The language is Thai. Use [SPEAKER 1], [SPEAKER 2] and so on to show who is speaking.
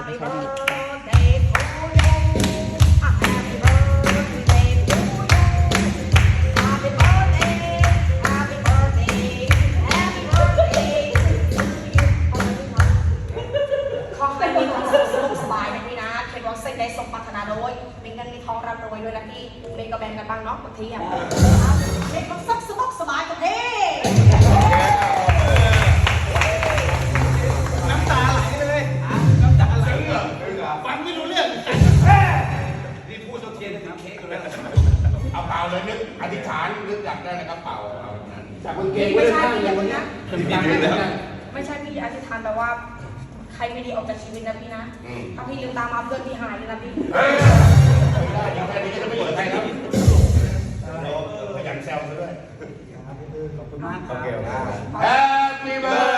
[SPEAKER 1] Happy birthday to you Happy birthday to you Happy birthday Happy birthday Happy birthday to you ขอให้มีความสุขสนุกสบายนะพี่นะเป็นวันเซ็กได้สมปรารถนาโดยมีเงินมีทองร่ำรวยด้วยนะพี่เมย์ก็แบ่งกันบ้างเนาะบางทีอ่ะเป็นวันสุขสนุกสบายกันดี
[SPEAKER 2] น้ำตาไหลเลยน้ำตาไหลฟังไม่รู้เรื่องนี่พูดโซเทียนถึงเค้กอยู่แล้ว
[SPEAKER 3] เอาเปล่าเลยนึกอธิษฐานนึกอยากได้อะไรก็เปล่าเอานั้นจากคนเก่
[SPEAKER 1] ไม่
[SPEAKER 3] ง
[SPEAKER 1] ใช่พี่อย่าพูดนะ
[SPEAKER 3] ไม่
[SPEAKER 1] ไม่ใช่พี่อธิษฐานแต่ว่าใครไม่ดีออกจากชีวิตนะพี่นะถ้าพี่ลืมตามาเพื่อนพี่หายเลยนะพี่
[SPEAKER 3] ได้ยังแค่นี้ก็จะไม่เปิดใครแล้วขยันแซวซะด้วย
[SPEAKER 2] ขอบคุณมากครับ
[SPEAKER 3] Happy birthday